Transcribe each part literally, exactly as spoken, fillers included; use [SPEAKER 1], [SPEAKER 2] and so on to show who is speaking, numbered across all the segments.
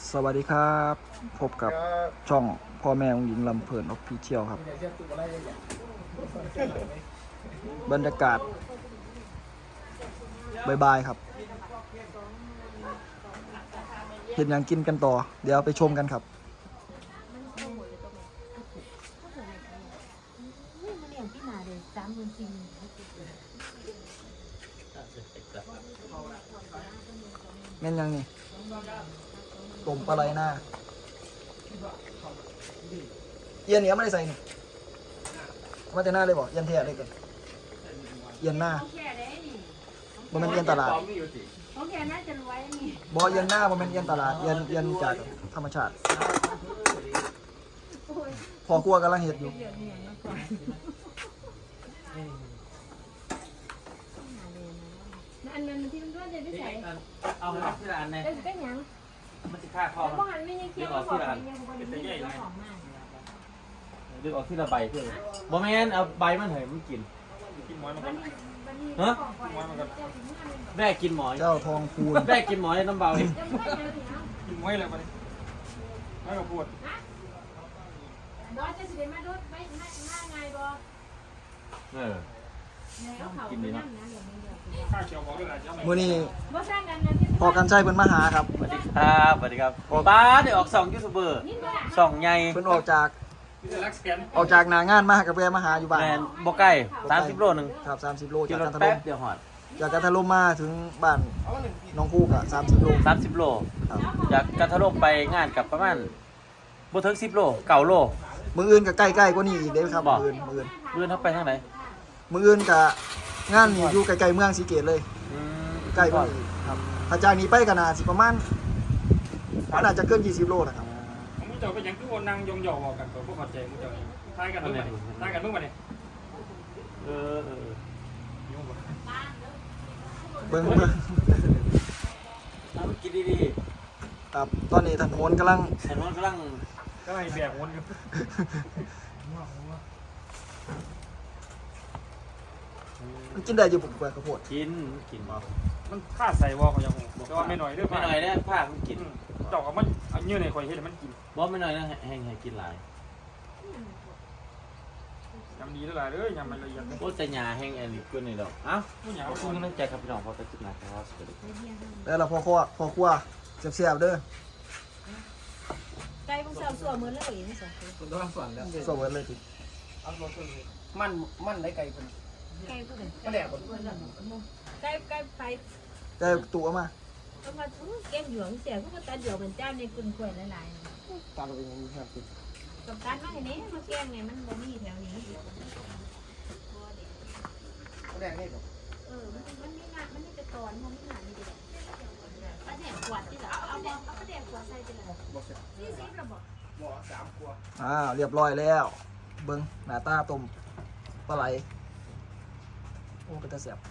[SPEAKER 1] สวัสดีครับพบกับช่องพ่อแม่องหญิงลำเพลินออฟฟิเชียลครับบรรยากาศบายๆครับเห็นอย่างกินกันต่อเดี๋ยวไปชมกันครับแม่นยังนี่ต้มปลาไหลหน้าเอียนเนี้ยไม่ได้ใส่นี่มาแต่หน้าเลยบอกเอียนเทียเลยก่อนเอียนหน้าบ่แม่นเอียนตลาด
[SPEAKER 2] โอเคน่าจะรวยนี่
[SPEAKER 1] บ่เอียนหน้าบ่แม่นเอียนตลาดเอียนเอียนจากธรรมชาติพอครัวกำลังเฮ็ดอยู่
[SPEAKER 2] อันนั้นที่มันก็จะได้ใส่
[SPEAKER 3] เอาไปที่ร้านเนี่ย
[SPEAKER 2] เป็นเป็นยัง
[SPEAKER 3] มันจะฆ่าคอ
[SPEAKER 2] แล้วบ้านไม่ยังเคี่ยวบอกยังบริเวณของมัน
[SPEAKER 3] ดึงออกที่ละใบเพื่อนบ่แม่นเอาใบมันเหยมันกินกินหมอยมันฮะแม่กินหมอย
[SPEAKER 1] เจ้าทองพูน
[SPEAKER 3] แม่กินหมอยน้ำเบา
[SPEAKER 4] กินไว้เลยมันไม่กับปวด
[SPEAKER 2] ดอยจะสิเดมาดูไม่ไม่ง่ายไงบอ
[SPEAKER 3] เออ
[SPEAKER 2] กินดีนะ
[SPEAKER 4] ข้าวเขียวบอกด้วยนะเจ้า
[SPEAKER 1] มื้อนี้
[SPEAKER 2] บ่สร้างกันนะ
[SPEAKER 1] พอกันใช้เพิ่นมาหาครับ
[SPEAKER 3] สวัสดีครับสวัสดีครับป้าเดี๋ยวออกสองยูทูบเบอร์สองใหญ่
[SPEAKER 1] เพิ่นออกจาก
[SPEAKER 4] พี่จะรักแสน
[SPEAKER 1] ออกจากหน้างานมากับแวะมาหาอยู่บ้าน
[SPEAKER 3] แมนบ่ใกล้สามสิบโลนึง
[SPEAKER 1] ครับสามสิบโลจากกันทะลุ
[SPEAKER 3] แป๊บเดียวหอด
[SPEAKER 1] จากกันทะลุมาถึงบ้านน้องคู่ก็สามสิบโล
[SPEAKER 3] สามสิบโล
[SPEAKER 1] ครับ
[SPEAKER 3] จากกันทะลุไปงานกับประมาณบ่ถึงสิบโลเก้าโล
[SPEAKER 1] มื้ออื่นก็ใกล้ๆกว่านี้อีกเด้ครับมื้ออื่นมื้ออื่น
[SPEAKER 3] เลื่อนเข้าไปทางไหน
[SPEAKER 1] มื้ออื่นก็งานนี่อยู่ใกล้ๆเมืองศรีเกตเลยใกล้กว่านี้ครับถ้าจากนี้ไปก็น่าสิประมาณมันอาจจะเกินยี่สิบโลนะครับ
[SPEAKER 4] มึงเจ้าเป็นยังคือวันนั่งยองๆบอกกันตัวพวกขอใจมึงเจ้านี่ทายกันเมื่อไหร่ทายกันเมื่อไหร่
[SPEAKER 3] เออเออ
[SPEAKER 1] เบิ่งเบิ่ง
[SPEAKER 3] เอากินดี
[SPEAKER 1] ครับตอนนี้ถนนกำลัง
[SPEAKER 3] ๆถนนกำลัง
[SPEAKER 4] ก็ไม่แบกวนอยู่
[SPEAKER 1] มันกินได้อยู่ผมกว่าข้าวโพด
[SPEAKER 3] กินกินบ่
[SPEAKER 4] มันฆ่าใส่วอเขายังแต่ว่าไม่หน่อยด้วย
[SPEAKER 3] ไม่หน่อยนะผ้ามันกิน
[SPEAKER 4] เจ้ากับมันเอาเนื้อในคอยเห็นมันกิน
[SPEAKER 3] บ่ไม่หน่อยนะแห้งให้กินหลาย
[SPEAKER 4] ยำดีเท่าไหร่เลยยำมันละเอียด
[SPEAKER 3] โอ้แต่หญ้าแห้งอันนี้กว่านี่ดอกเอ้าขอบคุณกำลังใจครับพี่น้องพอจะจุดนะครับสวัสดี
[SPEAKER 1] แล้วเราพอครัวพอครัวเสียบๆเด้อ
[SPEAKER 2] ไก่พวกเสาสัวมือเลยนี่สองคน
[SPEAKER 4] คุณต้องส่วนแล้ว
[SPEAKER 1] สวัสดีเลยที
[SPEAKER 4] มันมันได้ไก่คน
[SPEAKER 2] ไก่ผู้ใด
[SPEAKER 4] ก็แหลกคน
[SPEAKER 2] ไก่ไก่ไป
[SPEAKER 1] แต่ตัวมา
[SPEAKER 2] เอามาทุกแก้มหยวงเสียพวกตาเดียวเป็นเจ้าในกุนกล้วยหลาย
[SPEAKER 1] ตามไปอย่างนี้ครับ
[SPEAKER 2] ๆกับการมาให้นี้มาแก้งไงมันบ่มีแถวนี้
[SPEAKER 4] ก็แหลกนี่หรอ
[SPEAKER 2] เออมันมันมีงานมันมีแต่ตอนมันมีงานนี่เดียวปลาแดกขวดที่ละเอาเอาเอาปลาแดกขวดใส่ไปเลยนี่ซิประบอก
[SPEAKER 4] บ่อสามขวด
[SPEAKER 1] อ่าเรียบร้อยแล้วเบิ้งหน้าตาต้มปลาไหลโอ้เป็นตาเสียบ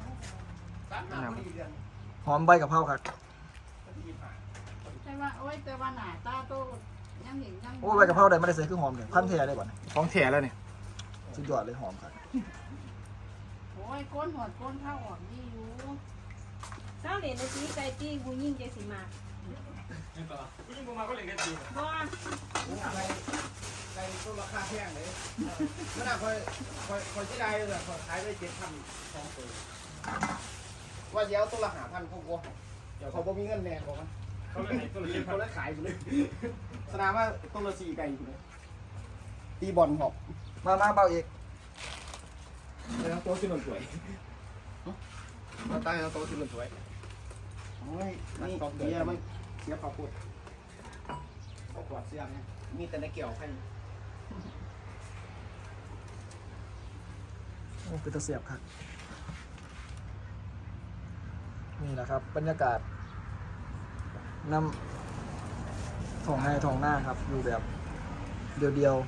[SPEAKER 1] หอมใบกะเพราครับ
[SPEAKER 5] ใช่ว่าโอ้ยแต่ว่าหน้าตาโตยังเห็นยัง
[SPEAKER 1] โอ้ใบกะเพราได้ไม่ได้ใส่คือหอมเนี่ยพันแท้ได้ก่อน
[SPEAKER 4] ของแถแล้วเนี่ย
[SPEAKER 1] สุดยอดเลยหอมครับ
[SPEAKER 5] โอ้ยก้นหัวก้นเข้าออกนี่อยู่
[SPEAKER 2] เช้าเหรียญนาทีไก่ตีกูยิ่งใจสิมา
[SPEAKER 4] นี่ปะล่ะยิ่งกูมาก็เล่นกันดี
[SPEAKER 2] บ่
[SPEAKER 6] ในต้นราคาแพงเลยมันอ่ะคอยคอยคอยที่ได้เลยคอยขายได้เจ็ดพันสองตัวว่าเดี๋ยวต้นละหาพันเขาก็เดี๋ยวเขาบ่มีเงินแน่บอกมัน
[SPEAKER 4] เขาเล่นไหนตัวเล่น
[SPEAKER 6] เขาเลยขายอยู่เลยสนามว่าต้นละสี่ไก่อยู่เลยตีบอลหอบ
[SPEAKER 1] มามาเบาอีก
[SPEAKER 6] แล้วโต๊ะที่มันสวยมาตั้งแล้วโต๊ะที่มันสวยโอ้ยนี่เบียร์มันเสียข้าวโพดข้าวขวดเสียเนี่ยมีแต่ในเกี่ยวให้
[SPEAKER 1] โอ้เป็นตาเสียบครับนี่แหละครับบรรยากาศนำท้องให้ท้องหน้าครับอยู่แบบเดียว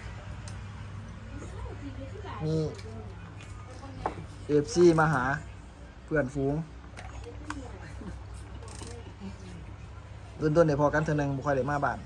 [SPEAKER 1] ๆมีเอฟซีมาหาเพื่อนฝูงต้นๆเดี๋ยวพอกันเทอนึงบุคคลเดี๋ยวมาบ้าน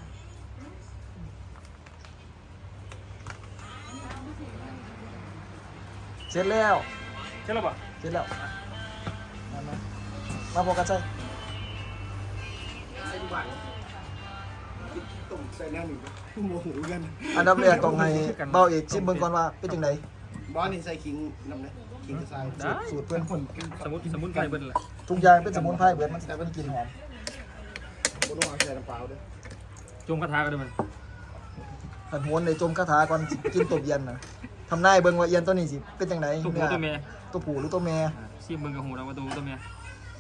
[SPEAKER 1] เสร็จแล้ว
[SPEAKER 4] ใช่หรือเปล่า
[SPEAKER 1] เสร็จแล้วมามามาพอกันใช่
[SPEAKER 6] ไอ้บ้านตุ่มใส่แนวหนึ่งโมโหกัน
[SPEAKER 1] อันดับแรกต้องให้เบาเอกชิมเบิ่งก่อนว่าเป็นจังได
[SPEAKER 6] บอสนี่ใส่ขิงน้ำเลยขิงจะใส่
[SPEAKER 4] ได้
[SPEAKER 1] สูตรเพื่อนคน
[SPEAKER 4] สมุนสมุนไพรเบิ่นแหละ
[SPEAKER 1] ทุกอย่างเป็นสมุนไพรเบิดมันแต่มันกลินหอม
[SPEAKER 6] บนต้องเอาใส่น้ำเปล่าด้วย
[SPEAKER 4] จงคาถาก็ได้มัน
[SPEAKER 1] ขันโหนในจมคาถาก่อนสิกินตบเย็นนะทำนายเบิ่งว่าเอียนตัวนี้สิเป็นจังได
[SPEAKER 4] ตัวผู้ตัวเมีย
[SPEAKER 1] ตัวผู้หรือตัวแม่
[SPEAKER 4] ซีมึงกับหูเราว่าตัวตัวเมีย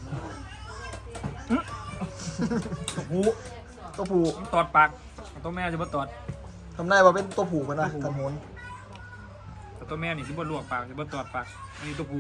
[SPEAKER 1] หูตัวผู้
[SPEAKER 4] ตอดปากตัวแม่จะบ่ตอด
[SPEAKER 1] ทำนายว่าเป็นตัวผู้กันนะขันโหน
[SPEAKER 4] แต่ตัวแม่นี่สิบ่ลวกปากสิบ่ตอดปากอันนี้ตัวผู้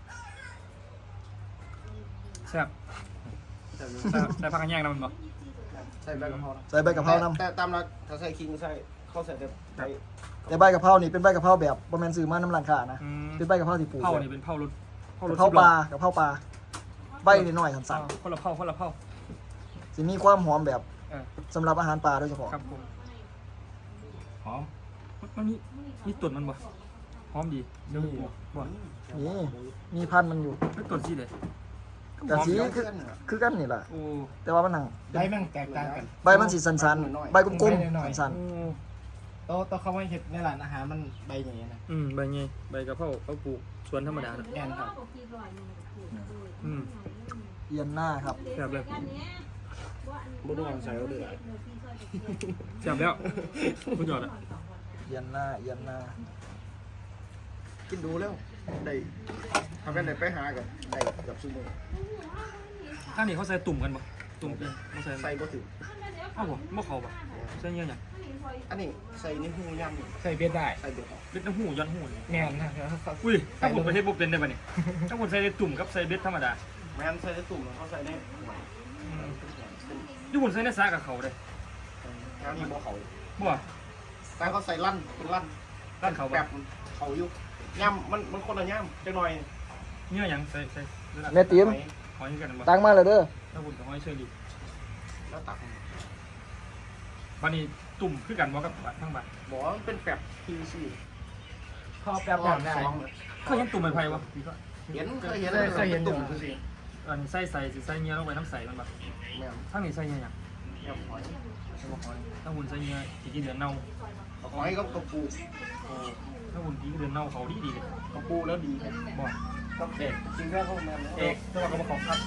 [SPEAKER 4] แซ่บใส่ใส่ผักกระแยงนะมันบ่
[SPEAKER 6] ใส่ใบกะเพรา
[SPEAKER 1] ใส่ใบกะเพรานำ
[SPEAKER 6] แต่ตามรักถ้าใส่ขิงใส่เขาใส่แต่ใบ
[SPEAKER 1] แต่ใบกะเพรานี่เป็นใบกะเพราแบบบ่แม่นซื้อมาน้ำร้านค้านะ
[SPEAKER 4] อืม
[SPEAKER 1] เป็นใบกะเพราที่ปลูก
[SPEAKER 4] เผานี่เป็นเผารสเผารส
[SPEAKER 1] กะเพราปลากะเพราปลาใบน้อยๆสั้น
[SPEAKER 4] คนละเผาคนละเผา
[SPEAKER 1] ๆสิมีความหอมแบบ
[SPEAKER 4] เออ
[SPEAKER 1] สำหรับอาหารปลาโดยเฉพาะ
[SPEAKER 4] ครับผมหอมมันมีมีตุ่นมันบ่หอมดีเดี๋ยวบ่บ่
[SPEAKER 1] นี่มีพันธุ์มันอยู่
[SPEAKER 4] ไม่ตุ่นสิเด้
[SPEAKER 1] แต่สี
[SPEAKER 6] เพื่
[SPEAKER 1] คือ
[SPEAKER 6] อนเหรอ
[SPEAKER 1] คือกันนี่แหละ
[SPEAKER 4] โอ้
[SPEAKER 1] แต่ว่ามันหนัง
[SPEAKER 7] ใบมันแตกต่างกัน
[SPEAKER 1] ใบมันสีสันๆใบกลมๆสัน
[SPEAKER 7] โตโตเขาไม่เห็ดในร้านอาหารมันใบอย่างเงี้ยนะ
[SPEAKER 4] อืมใบไงใบกะเพราเขาปลูกสวนธรรมดาน่ะ
[SPEAKER 7] แอนครับ
[SPEAKER 4] อืม
[SPEAKER 1] ๆเอียนหน้าครับ
[SPEAKER 4] แซ่บเลย
[SPEAKER 6] บนต้องเอาใส่เอาเดือด
[SPEAKER 4] แซ่บแล้วสุดยอดอ่ะ
[SPEAKER 1] เอียนหน้าเอียนหน้า
[SPEAKER 6] กินดูแล้วได้ทำเป็นไหนไปหากันได้กับซูโม่
[SPEAKER 4] ถ้านี่เขาใส่ตุ่มกันบ่ตุ่มเป็นเขาใส่
[SPEAKER 6] ใส่บ่ถึง
[SPEAKER 4] เอ้าบ่บ่เข้าบ่ใส่เงี้ยหยัง
[SPEAKER 6] อันนี้ใส่ในหูย่ำนี่
[SPEAKER 7] ใส่เบ็ดได้
[SPEAKER 6] ใส่เดือด
[SPEAKER 4] เบ็ดน้ำหูย้อนหูนี่
[SPEAKER 7] แมนนะครับ
[SPEAKER 4] อุ้ยถ้าผมไปเฮ็ดบ่เป็นได้ป่ะนี่ถ้าผมใส่ตุ่มกับใส่เบ็ดธรรมดา
[SPEAKER 6] แม่นใส่ในตุ่มเขาใส่ใน
[SPEAKER 4] อืมอยู่ผมใส่ในซากับเขาเด้
[SPEAKER 6] แล้วนี่บ่เขา
[SPEAKER 4] บ่
[SPEAKER 6] แต่เขาใส่ลั่นเป็นลั่น
[SPEAKER 4] ร้านเขา
[SPEAKER 6] แบ
[SPEAKER 4] แบบ
[SPEAKER 6] บเขาอยู่ย่ำมันมันคนละย่ำจังหน่อย
[SPEAKER 4] เนื้อหยังใส่ใส่
[SPEAKER 1] แม่ติ๋ม
[SPEAKER 4] หอยกันบ่
[SPEAKER 1] ตั้งมาเลยเด้อ
[SPEAKER 4] ถ้าผมกับหอยเชอรี่
[SPEAKER 6] แล้วตัก
[SPEAKER 4] บัดนี้ตุ่มคือกันบ่กับทั้งบัด
[SPEAKER 6] บอกว่ามันเป็นแบบพีซี
[SPEAKER 7] พอแป๊บแบบได้
[SPEAKER 6] สอง
[SPEAKER 4] เคยเห็นตุ่มไม้ไผ่บ่
[SPEAKER 6] เห็นเคยเห็นเลยเคยเห็นตุ่มคือสิ
[SPEAKER 4] อันนี้ใส่ใส่สิใส่เนื้อลงไปน้ำใสมันบ่
[SPEAKER 6] แม่น
[SPEAKER 4] ทั้งนี้ใส่เนื้อหยัง
[SPEAKER 6] ย่ำหอย
[SPEAKER 4] ใส่บ่หอยถ้าหุ่นใส่เนื้อสิกินเดือนเน่า
[SPEAKER 6] หอยก็กระปู
[SPEAKER 4] โอ้ถ้าหุ่นกินเดือนเน่าเขาดีดีเลย
[SPEAKER 6] กระปูแล้วดี
[SPEAKER 4] บ่
[SPEAKER 6] ก็เอกจริงแค่พวกแม่
[SPEAKER 4] เอกแต่ว่าก็บ่ของครับ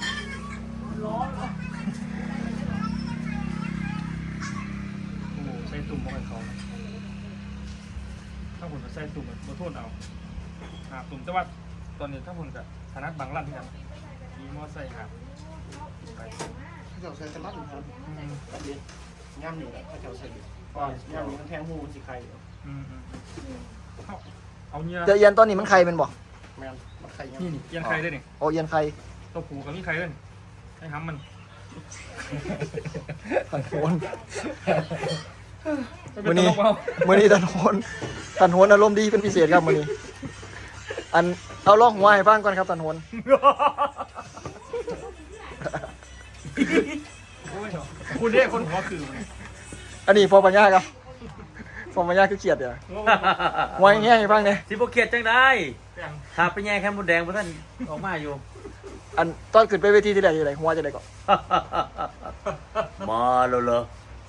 [SPEAKER 4] โอ้ใส่ตุ่มบ่ให้เขาถ้าหุ่นใส่ตุ่มบ่โทษเอาหาตุ่มแต่ว่าตอนนี้ถ้าหุ่นก็ถนัดบางร้านที่กันมีมอไซค์ครับไป
[SPEAKER 6] เจ้าใส่กระลัดครับ
[SPEAKER 4] อืม
[SPEAKER 6] เด็ดย่ำนี่แหละเจ้าใส่ดีก็ย่ำนี่มันแทงหูมันสิใคร
[SPEAKER 4] อืมอืมเอาเอาเนื้อ
[SPEAKER 1] เจะเอียนตอนนี้มันไข่เป็นบ่
[SPEAKER 6] แม่นมันใคร
[SPEAKER 4] นี่
[SPEAKER 6] ย่ำ
[SPEAKER 4] นี่ยังไข่ได้นี่
[SPEAKER 1] โอเอียนไข่
[SPEAKER 4] ตัวผูกับมีไข่ด้วยให้ห้ำมัน
[SPEAKER 1] ขันโหน
[SPEAKER 4] ไม่เป็นตลกเปล่า
[SPEAKER 1] มื้อนี้ตันโหนตันโหนอารมณ์ดีเป็นพิเศษครับมื้อนี้อันเอาล่องหัวให้ฟังก่อนครับตันโหน
[SPEAKER 4] โอ้ยคุณเนี่ยคนหัวคือมัน
[SPEAKER 1] อันนี้ฟอปัญญาครับฟอปัญญาคือเขียดเด้อหัวอย่างเงี้ยให้ฟังเนี่ย
[SPEAKER 3] สิบเขียดจังได้
[SPEAKER 4] แป้ง
[SPEAKER 3] ถ้าไปแย่แค่มดแดงเพราะท่านออกมาอยู่
[SPEAKER 1] อันตอนขึ้นไปเวทีที่แรกอยู่ไหนหัวจะได้ก่อน
[SPEAKER 3] มาแล้วเหรอ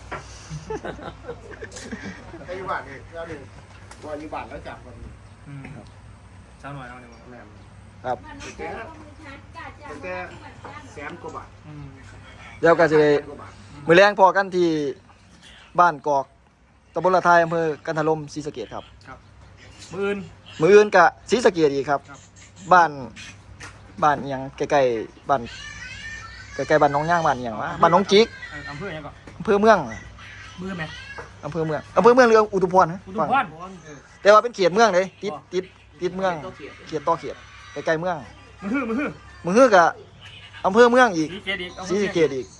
[SPEAKER 6] ใครอยู่บ้านเนี่ยแล้วหนึ่งว่าอยู่บ้านแล้วจับกัน
[SPEAKER 4] อืมเช้าหน่อยเอาเนี่ย
[SPEAKER 6] แม่น
[SPEAKER 1] ครับ
[SPEAKER 6] แต่แต่แสนกว่าบาท
[SPEAKER 4] อืม
[SPEAKER 1] เดี๋ยวก็จะ
[SPEAKER 6] แสนกว่าบาท
[SPEAKER 1] มื้อแรงพอกันที่บ้านกอกตำบลละทายอำเภอกันทลมศรีสะเกษครับ
[SPEAKER 4] ครับมือน
[SPEAKER 1] มื้ออื่นก็ศรีสะเกษอีกครับ
[SPEAKER 4] ครับ
[SPEAKER 1] บ้านบ้านอิหยังใกล้ๆบ้านใกล้ๆบ้านน้องย่างบ้านอิหยังวะบ้านน้องจิก
[SPEAKER 4] เอ่ออำเภอยังก่อน
[SPEAKER 1] อำเภอเมือง
[SPEAKER 4] มือไหม
[SPEAKER 1] อำเภอเมืองอำเภอเมืองหรืออุทุมพรนะ
[SPEAKER 4] อุดมพร
[SPEAKER 1] แต่ว่าเป็นเขตเมืองเลยติดติดติดเมืองเขตต่อเขตใกล้ๆเมือง
[SPEAKER 4] มือฮือมือฮือ
[SPEAKER 1] มือฮือกับอำเภอเมืองอีก
[SPEAKER 4] สีเกตอีก
[SPEAKER 1] ศรีสะเกษอีก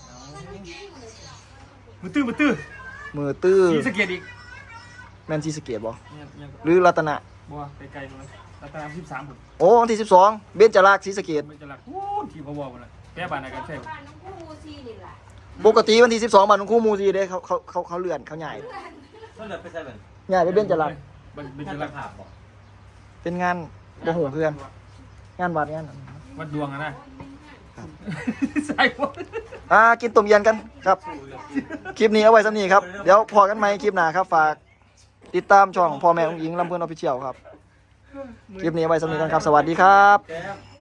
[SPEAKER 4] มือตื้อมือตื้อ
[SPEAKER 1] มือตื้อ
[SPEAKER 4] สีสะเกตอีก
[SPEAKER 1] แม่นศรีสะเกษบ่
[SPEAKER 4] เนี่ยเนี่ย
[SPEAKER 1] หรือรัตนะ
[SPEAKER 4] บัวไกลๆมันรัตนสิบสามผม
[SPEAKER 1] โอ้วันที่สิบสองเบญจราษฎร์ศรีสะเกษ
[SPEAKER 4] ไม่จะรักโอ้ที่พะวอหมดเลยแก้บานอะไรกันใช่ไหม
[SPEAKER 2] บ้านน้องคู่มูซีนี่แหละ
[SPEAKER 1] ปกติวันที่สิบสองบ้านของครูหมูซีเด้เขาเขาเขาเขาเลื่อนเขาใหญ่
[SPEAKER 3] ก็เลยไปใส่เป็น
[SPEAKER 1] ใหญ่ไปเบญจราษฎร์
[SPEAKER 4] เป็นเป็น
[SPEAKER 3] ท่า
[SPEAKER 4] จะ
[SPEAKER 3] น
[SPEAKER 4] รั
[SPEAKER 3] จะ
[SPEAKER 4] ก
[SPEAKER 3] ภาพบอก
[SPEAKER 1] เป็นงานบ่หูเพื่อนงานวัดงานนั้น
[SPEAKER 4] วัดดวงอะนะ
[SPEAKER 1] ค
[SPEAKER 4] ใส่หมด
[SPEAKER 1] อ่ากินต้มเย็นกันครับคลิปนี้เอาไว้สำนี้ครับเดี๋ยวพอกันไหมคลิปหน้าครับฝากติดตามช่องพ่อแม่ของหญิงลำเพื่อนออฟฟิเชียลครับคลิปนี้เอาไว้สำนี้กันครับสวัสดีครับ